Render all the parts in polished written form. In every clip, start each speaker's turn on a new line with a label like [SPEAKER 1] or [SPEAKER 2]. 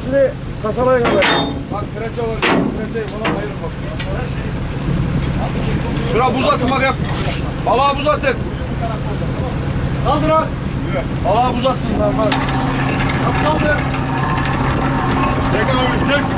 [SPEAKER 1] hepsini kasalayın kadar.
[SPEAKER 2] Bak kraliçe var. Kraliçeyi falan ayırın bak. Şura buz atın bak yap. Balığa buz atın. Kaldır ha. Balığa buz atsınlar bak. Kaldır. Çek abi çek.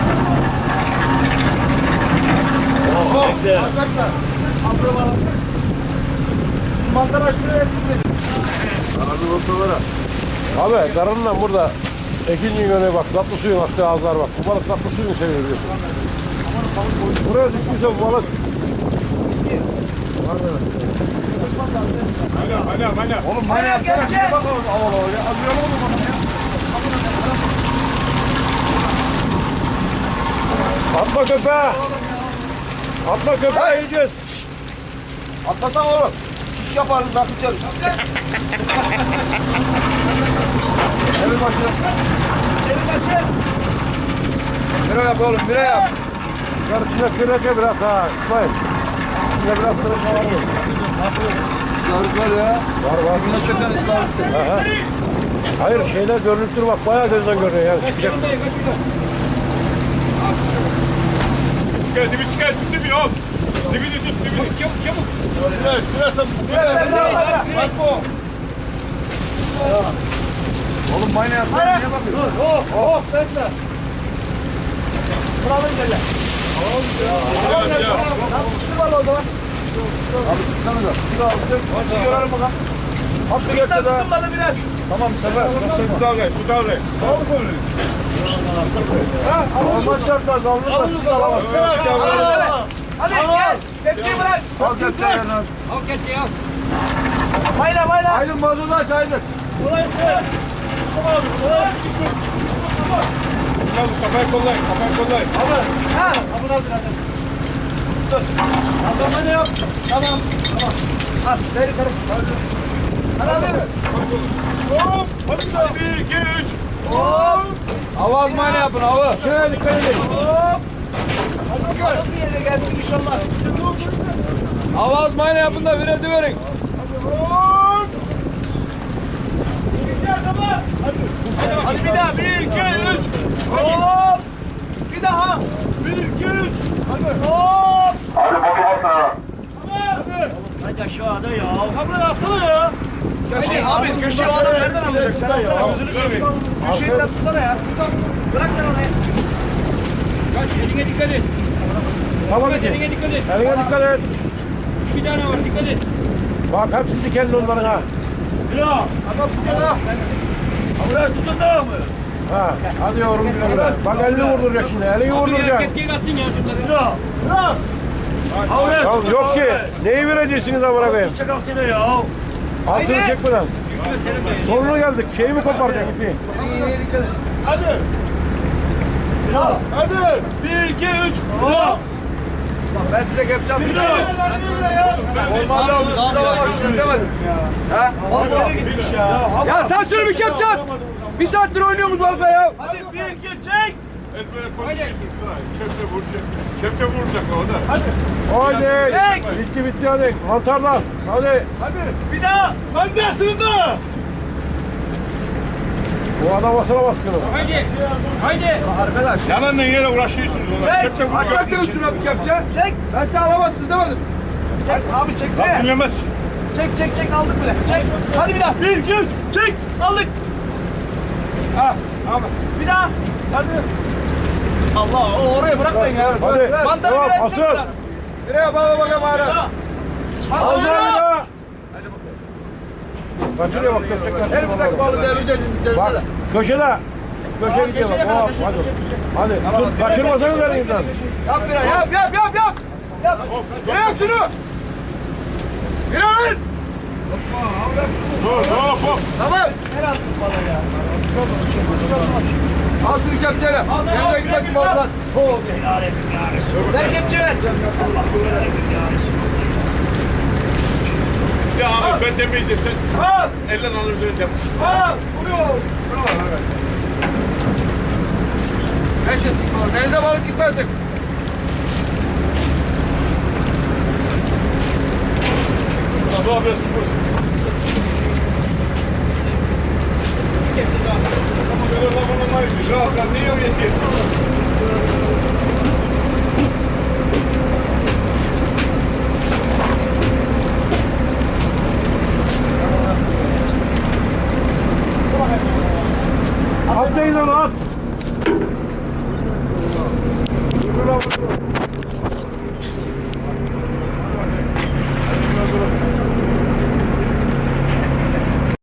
[SPEAKER 2] Oh. Arkadaşlar. Kaldır bana. Mantar açtırıyor etsin. Abi ortalara.
[SPEAKER 1] Abi karınla burada ikinci yöne bak, tatlı suyun attığı ağızlar bak. Bu balık tatlı suyunu seviyor biliyorsun. Buraya düştüyse bu balık.
[SPEAKER 2] Hala. Oğlum bana yapsana. Bir bak oğlum. Havalı ya. Azıyorum oğlum bana ya.
[SPEAKER 1] Atma köpeğe. Atma köpeğe yiyeceğiz.
[SPEAKER 2] Atlasana oğlum. Şiş yaparız bak içeriz. Elin başı. Elin başı. Bire yap oğlum, bire yap.
[SPEAKER 1] Karışına kıracak biraz ha. İsmail. Şuna biraz kıracak var mı?
[SPEAKER 2] İstavrit var ya.
[SPEAKER 1] Var.
[SPEAKER 2] Güneş çöken istavrit.
[SPEAKER 1] Hayır şeyler görünüktür bak, bayağı gözden görünüyor yani. Çıkacak.
[SPEAKER 3] Gel dibi çıkar, tut dibi al. Dibini tut, dibini. Çabuk.
[SPEAKER 2] Bak bu. Oğlum mayna yapsana, niye bakıyorsun? Hop, bekle. Kralın gel. Tamam ya. Çıktı var o zaman. Abi çıksana da. Hadi görelim bakalım. Hadi götür ha. Sıkılmadı biraz. Tamam, sefer.
[SPEAKER 3] Tut al gel.
[SPEAKER 2] Tamam mı? Ha, ama şartlar davranırsa siz alamazsınız. Hadi gel. Tepkiyi bırak. Al tepkiyi yanına.
[SPEAKER 4] Al kepçeyi al.
[SPEAKER 2] Mayla. Aydın mazozu aç Aydın.
[SPEAKER 3] Kafayı kollayın.
[SPEAKER 2] Abi. Ha. Abone ol biraz. Dur. Adamı ne yap? Tamam. Al. Ver yukarı. Hadi.
[SPEAKER 3] Hop. Hadi bir daha. 1, 2, 3.
[SPEAKER 2] Hop. Avaz mayna yapın avaz.
[SPEAKER 1] Şöyle dikkat edin.
[SPEAKER 2] Hop. Hadi bakalım. Bir yerine gelsin inşallah. Avaz mayna yapın da vireti verin.
[SPEAKER 3] Hop.
[SPEAKER 2] Hadi bir daha. 1, 2, 3. Hop. Bir daha. 1, 2, 3. Hadi. Hop.
[SPEAKER 4] Hadi aşağıda ya. Kablo alsana ya.
[SPEAKER 2] Abi köşeyi o adam nereden alacak? Sen alsana gözünü seveyim. Köşeyi sen tutsana ya. Bırak sen onu ya.
[SPEAKER 4] Kaç eline dikkat et.
[SPEAKER 1] Tamam
[SPEAKER 4] Dikkat
[SPEAKER 1] ki.
[SPEAKER 4] eline dikkat et.
[SPEAKER 1] Eline dikkat et.
[SPEAKER 4] Bir tane var dikkat et.
[SPEAKER 1] Bak hepsi dikenli onların ha.
[SPEAKER 2] Adam tutsana.
[SPEAKER 4] Buraya tutun da mı?
[SPEAKER 1] Ha. Hadi yavrum güle güle. Bak elini vurduracak şimdi. Elini vurduracak.
[SPEAKER 4] Kepçeyi atsın ya şunları.
[SPEAKER 1] Ya yok ki. Neyi vereceksiniz amına koyayım?
[SPEAKER 4] Çakal seni ya.
[SPEAKER 1] Altını çekmeden. Sonuna geldik. Şeyi mi koparacak ipi?
[SPEAKER 2] Hadi. Hadi. 1, 2, 3. Hop. Ben size kepçem. Bir daha. Normalde aldım. Siz alamazsınız demedim. Ha? Nereye gitmiş ya? Ya sen şunu bir kepçe at. Bir saattir oynuyoruz balıkla ya. Hadi 1, 2, çek.
[SPEAKER 3] Ezbere konuşuyorsun. Kepçe vuracak o da.
[SPEAKER 1] Hadi. Bitti hadi. Mantarlar. Hadi.
[SPEAKER 2] Hadi. Bir daha. Hadi sığındı.
[SPEAKER 1] Bu adam basına baskını.
[SPEAKER 4] Haydi.
[SPEAKER 2] Arkadaş.
[SPEAKER 3] Yalanla yere uğraşıyorsunuz.
[SPEAKER 2] Çek. Atacaktın üstüne bir kepçe. Çek. Ben size alamazsınız demedim. Çek abi çeksene.
[SPEAKER 3] Bak dinlemez.
[SPEAKER 2] Çek aldık bile. Çek. Hadi bir daha. 1, 2, 3. Çek. Aldık. Ha. Abi. Bir daha. Hadi. Allah o oraya bırakmayın ya.
[SPEAKER 1] Hadi.
[SPEAKER 2] Mantarı
[SPEAKER 1] Tamam.
[SPEAKER 2] biraz
[SPEAKER 1] Asıl.
[SPEAKER 2] biraz. Nereye bakalım hala.
[SPEAKER 1] Al bir daha. Kaçırıyor bak.
[SPEAKER 2] Her bir dakika balığı devireceğiz.
[SPEAKER 1] Bak köşede. Köşeye gidiyor bak. Hop, hadi. Hadi. Tut, kaçırmasanız vereyim lan.
[SPEAKER 2] Yap bir daha. Yap. Yap. Yap şunu. Bir an.
[SPEAKER 3] Hop.
[SPEAKER 2] Tamam. Her attın balığı ya. Al şunu kepçeyle. Yerine gitmesin balıklar. Ver kepçe ver.
[SPEAKER 3] Ya abi ben demeyeceksin.
[SPEAKER 2] Al.
[SPEAKER 3] Elden alırız önce.
[SPEAKER 2] Al. Vuruyor. Eşit. Denize balık gitmesin.
[SPEAKER 3] Abi abi sıfır. Şöyle lafını Rahat lan, ne yiyorsun eski?